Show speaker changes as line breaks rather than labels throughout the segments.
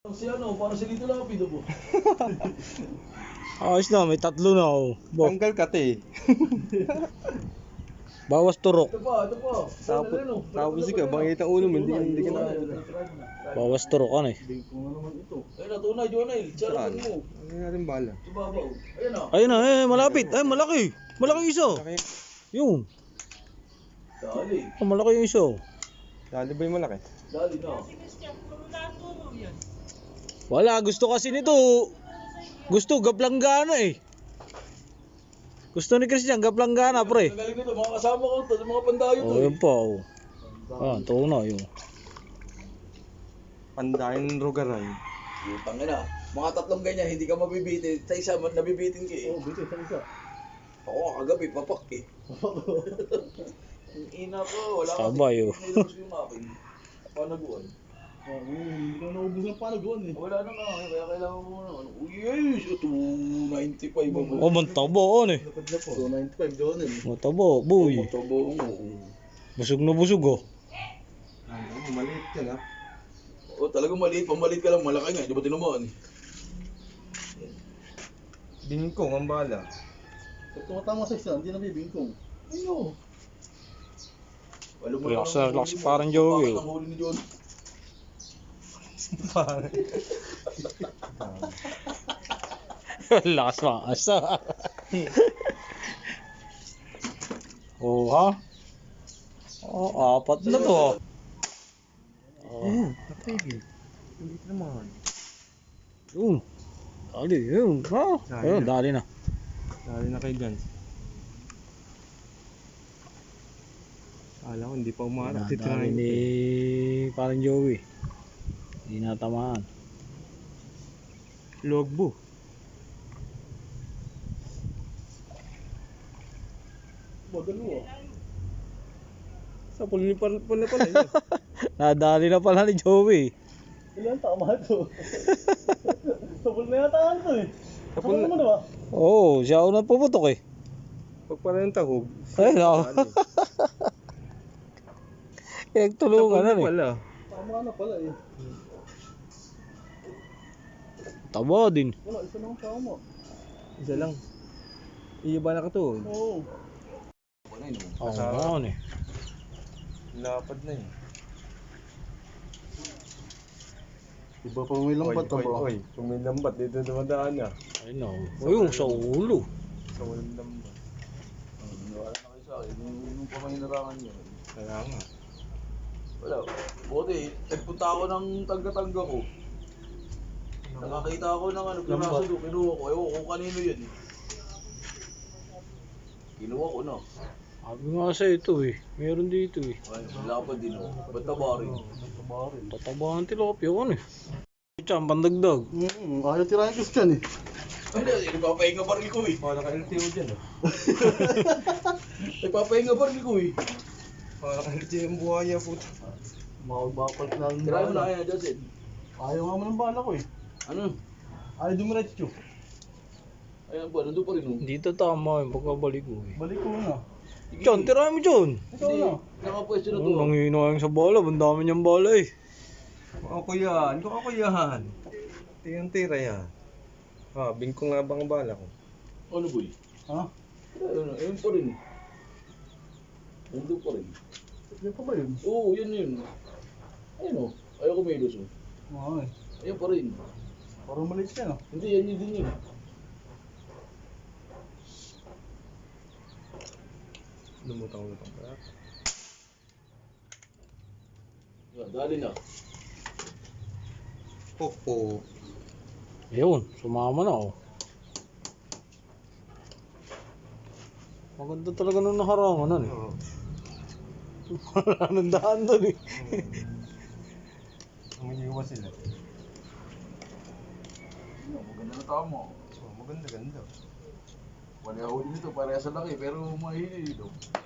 Si ano, parang si Lito Lapido po.
Ayos na, may tatlo na oh.
Tanggal ka te.
Bawas turok.
Ito pa.
Tapos ikaw, bangit ang ulo mo, hindi ka na.
Bawas turok ano eh.
Bingkong na naman ito. Ayun na, tunay, Jonel. Charot mo.
Ano natin bala?
Subabaw. Ayun na.
Ayun na, malapit. Ay, malaki. Malaki yung isa. Yun.
Dali.
Oh, malaki yung isa.
Dali ba yung malaki?
Dali na.
Wala, gusto kasi nito. Gusto, gaplanggana eh. Gusto ni Christian, gaplanggana pre.
Ang galing nito, mga kasama ko to, mga pandayo to.
Oh, yun pa oh. Ah, ito na yun.
Pandayan Rogaray.
Utang na. Mga tatlong ganyan, hindi ka mabibitin. Sa isa, nabibitin ka eh.
Oo, bitin sa isa.
Ako, kagabi, papak eh. Ang ina ko, wala
Sabay, oh.
Nilabas yung akin. Panaguan.
Hindi ka naubos ng panaguan eh.
Wala na nga, kaya kailangan mo na. Uy, yes, 295 ako.
Oh, mantabo ano eh.
Lapad na po. 295 doon eh.
Matabo, boy.
Matabo mo.
Busog na busog oh.
Maliit yan ha.
O, talagang maliit. Pamaliit ka lang, malaki nga. Di ba tinamaan?
Bingkong ang bala.
Pag tumatama sa isa, hindi na bibingkong.
Ayun.
Relax parang Joey.
Bakit ang huli ni John?
Lakas mga asa. Oh ha? Oh, apat na to. Oh.
Natigil. Hindi naman.
Yun. Dali, yun. Ha? Ayun, dali na.
Dali na kay Gans. Alam ko, hindi pa umarap.
Dali ni parang Joey. Hindi natamaan.
Logbo.
Magalo ah.
Sa pula pala yun.
Nadali na pala ni Joey.
Ilan tama ito? Sabol na yata ito eh. Sabol naman diba?
Oo, siya una pumutok eh.
Pag pala yung tahog.
Ayun ako. Pinagtulungan na eh.
Pala.
Tama na pala eh.
Taba din.
Wala, isa lang tama.
Isa lang. Iiba na ka to.
Oo.
Oo, naman eh.
Lapad na eh.
Iba pa may lambat na ba?
Oy, kung may lambat, dito dumadaan na.
Ayun o. Ayun, sa ulo.
Sa walang lambat.
Wala na kayo sa akin. Nung pamahinarangan niya.
Kaya nga.
Wala. Buti, nagpunta ako ng tangga-tangga ko. Nakakita ako ng ano, piraso doon. Kinuha ko. Ewan ko kung kanino yun eh. Kinuha ko na.
Sabi nga sa ito eh. Meron dito eh.
Ay, lapad din ako. Ba't tabarin?
Tatabahan tilapia ko ano eh. Diyan, pandagdag.
Ayaw tirahin Christian eh.
Hindi, nagpapahinga baril ko eh.
Baka naka-LTO dyan oh.
Nagpapahinga baril ko eh.
Baka naka-LTO yung buhaya puto.
Makagbapat na ang
Tirahin mo na
bala.
kaya, Justin.
Ayaw nga mo ng bala ko eh.
Ano?
Ayaw dumiretso.
Ayan ba, nandun pa rin oh.
Dito tama yung pagkabalik ko eh.
Balik ko na.
Diyan, tirahin mo dyan.
Ikaw na.
Nakapwesto na to.
Oh, nanginayang sa bola. Ang dami niyang bola eh.
Ako yan. Tiyang tira yan. Ah, bingkong nga bang bala ko.
Ano boy?
Ha?
Ayun pa rin. Nandun pa rin.
Yan pa ba yun?
Oo, yun. Ayun oh. Ayaw kumilos oh.
Oo eh.
Ayun pa rin.
Parang maliit siya no?
Hindi, yan yun din yun.
Lumutang-lutang pa.
Yan, dali na.
Popo.
Ayun, sumama na oh. Maganda talaga nung nakarangan ano eh.
Oo.
Wala nang daan doon eh.
Umiiwas sila.
Maganda na tama.
So, maganda-ganda.
Wala huli nito, parehas sa laki, pero mahihili dito.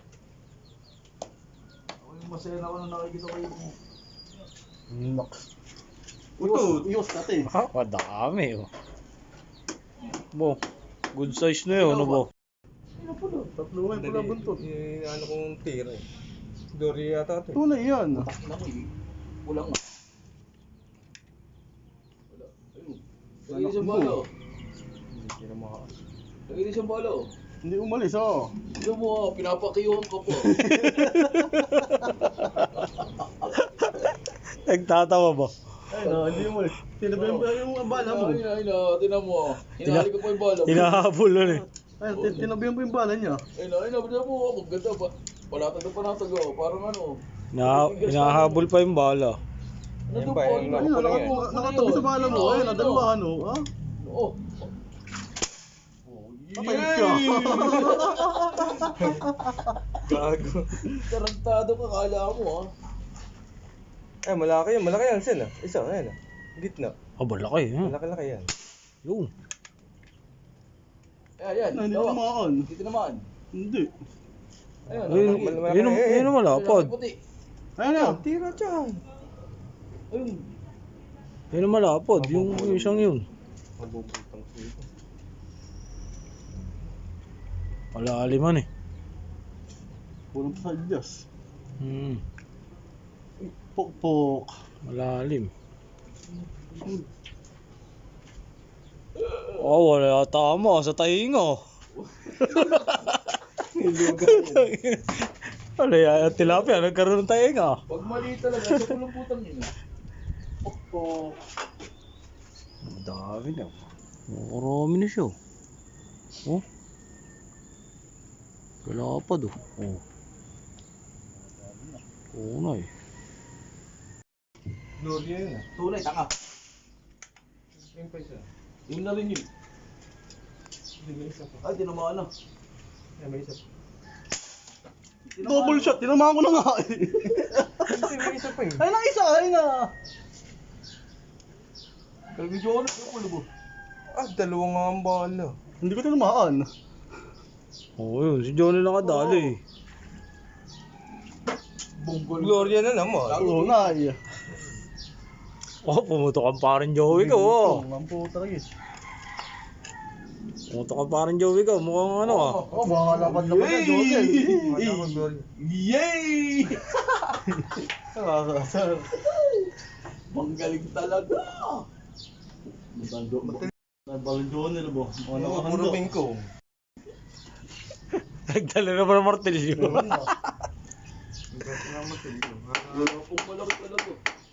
Ako yung masaya na ako nung nakikita ko yung...
Nox.
Utod!
Iyos kate.
Madami oh. Bo, good size na yun ano bo.
Ano po doon? Tatlungan pala buntot.
Ano kong tira eh. Dory yata ito.
Tunay yan.
Naku, kulang nga. Ayun. Lagay din siyang bala.
Hindi sila maka...
Lagay din siyang bala.
Hindi umalis, oh.
Tignan mo, pinapakiyuhan ka po.
Nagtatawa ba?
Ayun, oh, hindi umalis. Tinabihan pa yung bala mo.
Ayun, tinan mo. Hinahali ko pa yung bala.
Hinahabol nun eh.
Ayun, tinabihan pa yung bala niya.
Ayun, tinan mo. Maganda pa. Palatag na panatag. Parang ano.
Hinahabol pa yung bala.
Ano
ba,
po?
yung
Ayun, nakatabi sa bala mo. Ayun, dalawa, ano, ha?
Oo.
Patay ka.
Gago.
Tarantado ka, kala mo ha.
Ay, malaki yan. Malaki yan, Sen ah. Isa, ayan ah. Gitna.
Ah, malaki eh.
Malaki-laki yan.
Yung.
Ayan,
Hindi
tawa.
naman.
Dito naman.
Hindi.
Ayun,
Ayun ang malapad.
puti.
Ayun na.
Tira dyan.
Ayun.
Ayun ang malapad. Yung isang yun.
Mabubutang dito.
Malaliman eh.
Puro sa Diyos. Pok-pok.
Malalim. Oh, wala tama sa tainga. Wala yan, tilapia, nagkaroon ng tainga.
Pag mali talaga, sa putang yun. Pok-pok.
Ang dami na. Marami na siya. Oh. Kalapad oh. Oh. Oo na eh.
Gloria yun ah.
Tunay, tanga.
Yung pa isa.
Yun na rin yun.
Hindi, may isa pa.
Ay, tinamaan na.
Ay, may isa pa.
Double shot. Tinamaan ko na nga eh.
Hindi, may isa pa yun.
Ayun na isa. Ayun na.
Kalbidyo ano mo, lubo.
Ah, dalawa nga ang bala.
Hindi ko tinamaan.
Oo yun, si Johnny lang kadali eh.
Bonggol.
Gloria na naman.
Oo na eh.
Oh, pumutok ang parang Joey ko oh.
Ang puta rin.
Pumutok ang parang Joey ko, mukhang ano ah.
Oh, baka lapad na pala, Josel.
Wala ko, Gloria.
Yay!
Nakakasar.
Manggaling talaga.
Balon Jonel mo. Ano ka
Puro bingko.
Nagdala na pa ng martilyo.
Wala pong malaki talaga.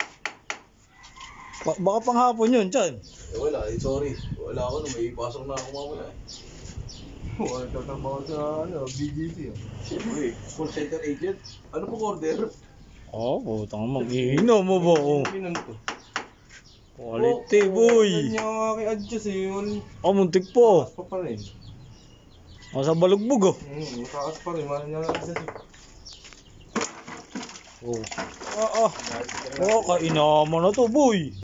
Baka panghapon yun, Chan.
Wala, sorry. Wala ako nung may pasok na ako mamaya eh.
Wala tatrabaho sa BGC.
Siyempre, call center agent. Ano pong order?
Oh, putang mag-iinom mo ba? Oh.
Minon to.
Quality boy.
Yan yung aking adjust eh. Yun.
Oh, muntik po.
Mataas pa rin.
Nasa balugbog oh.
Mataas pa rin. Mahal niya ang adjust eh.
Oh. Ah, ah. Oh, kainaman na to, boy.